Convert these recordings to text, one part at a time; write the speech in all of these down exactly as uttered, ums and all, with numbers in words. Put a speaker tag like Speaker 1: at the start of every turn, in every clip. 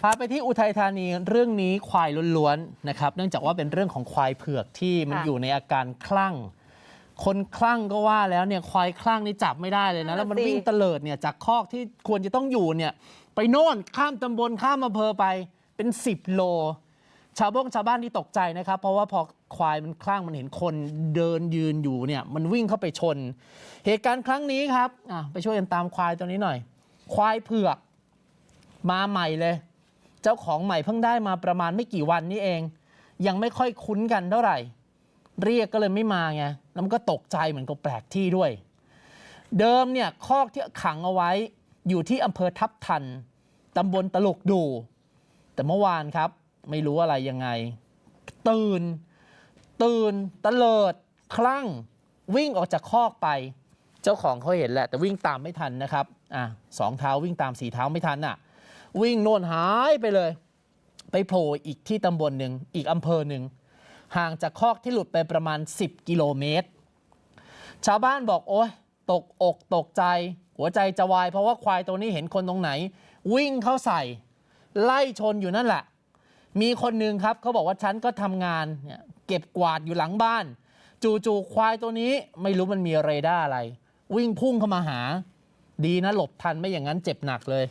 Speaker 1: พาไปที่อุทัยธานีเรื่องนี้ควายล้วนๆนะครับเนื่องจากว่าเป็นเรื่องของควายเผือกที่มันอยู่ในอาการคลั่งคนคลั่งก็ว่าแล้วเนี่ยควายคลั่งนี่จับไม่ได้เลยนะแล้วมันวิ่งเตลิดเนี่ยจากคอกที่ควรจะต้องอยู่เนี่ยไปโน่นข้ามตำบลข้ามอำเภอไปเป็นสิบโลชาวบ้านชาวบ้านที่ตกใจนะครับเพราะว่าพอควายมันคลั่งมันเห็นคนเดินยืนอยู่เนี่ยมันวิ่งเข้าไปชนเหตุการณ์ครั้งนี้ครับไปช่วยกันตามควายตัวนี้หน่อยควายเผือกมาใหม่เลยเจ้าของใหม่เพิ่งได้มาประมาณไม่กี่วันนี้เองยังไม่ค่อยคุ้นกันเท่าไหร่เรียกก็เลยไม่มาไงแล้วมันก็ตกใจเหมือนกับแปลกที่ด้วยเดิมเนี่ยคอกที่ขังเอาไว้อยู่ที่อำเภอทับทันตำบลตลกดูแต่เมื่อวานครับไม่รู้อะไรยังไงตื่นตื่นตะเลิดคลั่งวิ่งออกจากคอกไปเจ้าของเขาเห็นแหละแต่วิ่งตามไม่ทันนะครับอ่ะสองเท้าวิ่งตามสี่เท้าไม่ทันอ่ะวิ่งโน่นหายไปเลยไปโผล่อีกที่ตำบลหนึ่งอีกอำเภอหนึ่งห่างจากคอกที่หลุดไปประมาณสิบกิโลเมตรชาวบ้านบอกโอ๊ยตกอกตกใจหัวใจจะวายเพราะว่าควายตัวนี้เห็นคนตรงไหนวิ่งเข้าใส่ไล่ชนอยู่นั่นแหละมีคนหนึ่งครับเขาบอกว่าฉันก็ทำงานเนี่ยเก็บกวาดอยู่หลังบ้านจู่ๆควายตัวนี้ไม่รู้มันมีเรดาร์อะไรวิ่งพุ่งเข้ามาหาดีนะหลบทันไม่อย่างนั้นเจ็บหนักเลย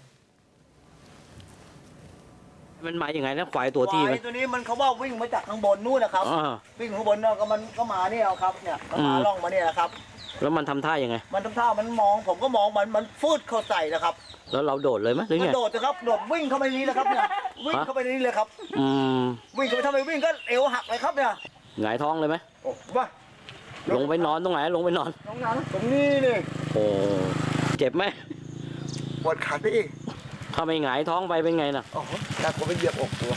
Speaker 2: มันมาอย่างไงนะควายตัวที่
Speaker 3: ควายตัวนี้มันเขาว่าวิ่งมาจากข้างบนนู่นนะครับวิ่งข้างบนเนาะก็มันก็มาเนี่ยครับเนี่ยมันมาล่องมาเนี่ยนะครับ
Speaker 2: แล้วมันทำท่ายังไง
Speaker 3: มันทำท่ามันมองผมก็มองมันมันฟืดเข้าใส่นะครับ
Speaker 2: แล้วเราโดดเลยไหมหรือไง
Speaker 3: โดดนะครับโดดวิ่งเข้าไปนี้เลยครับเนี่ยวิ่งเข้าไปนี้เลยครับ
Speaker 2: อืม
Speaker 3: วิ่งเข้าไปทำไมวิ่งก็เอวหักเลยครับเนี่ย
Speaker 2: หงายท้องเลยไหม
Speaker 3: โอ้ว่า
Speaker 2: ลงไปนอนตรงไหนลงไปนอน
Speaker 3: ตรงนั้นตรงนี้นี่
Speaker 2: โอ้เจ็บไหม
Speaker 3: ปวดขาพี่
Speaker 2: ถ้าไม่หงายท้องไปเป็นไงน่ะ
Speaker 3: โอ้โหแต่ผมไปเหยียบอกตัว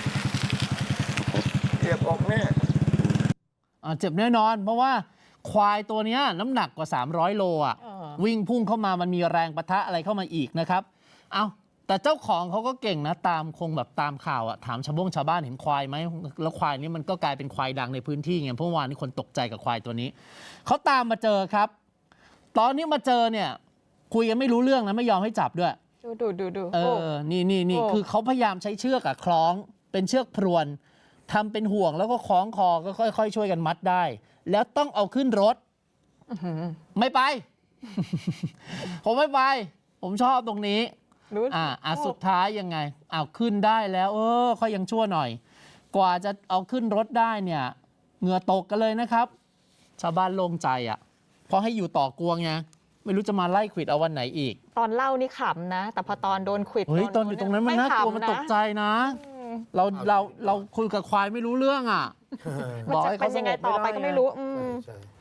Speaker 3: เหยียบอกแน่
Speaker 1: อ่าเจ็บแน่นอนเพราะว่าควายตัวนี้น้ำหนักกว่าสามร้อยโลอ่ะวิ่งพุ่งเข้ามามันมีแรงปะทะอะไรเข้ามาอีกนะครับเอาแต่เจ้าของเขาก็เก่งนะตามคงแบบตามข่าวอ่ะถามชาวบ้านชาวบ้านเห็นควายไหมแล้วควายนี้มันก็กลายเป็นควายดังในพื้นที่ไงเพราะวานนี้คนตกใจกับควายตัวนี้เขาตามมาเจอครับตอนนี้มาเจอเนี่ยคุยกันไม่รู้เรื่องนะไม่ยอมให้จับด้วย
Speaker 4: ดูดูดูดู
Speaker 1: เออนี่นี่นี่คือเขาพยายามใช้เชือกอะคล้องเป็นเชือกพรวนทำเป็นห่วงแล้วก็คล้องคอก็ค่อยๆช่วยกันมัดได้แล้วต้องเอาขึ้นรถไม่ไป ผมไม่ไปผมชอบตรงนี้อ่าอ่ะสุดท้ายยังไงเอาขึ้นได้แล้วเออค่อยยังชั่วหน่อยกว่าจะเอาขึ้นรถได้เนี่ยเหงื่อตกกันเลยนะครับชาวบ้านโล่งใจอ่ะเพราะให้อยู่ต่อกวงไงไม่รู้จะมาไล่ขวิดเอาวันไหนอีก
Speaker 4: ตอนเล่านี่ขำนะแต่พอตอนโดนขวิด
Speaker 1: เฮ้ยตอนอยู่ตรงนั้นมันน่ากลัวมันตกใจนะเราเราเราคุยกับควายไม่รู้เรื่องอ่ะ
Speaker 4: บอกให้เขาสงบต่อไปก็ไม่รู้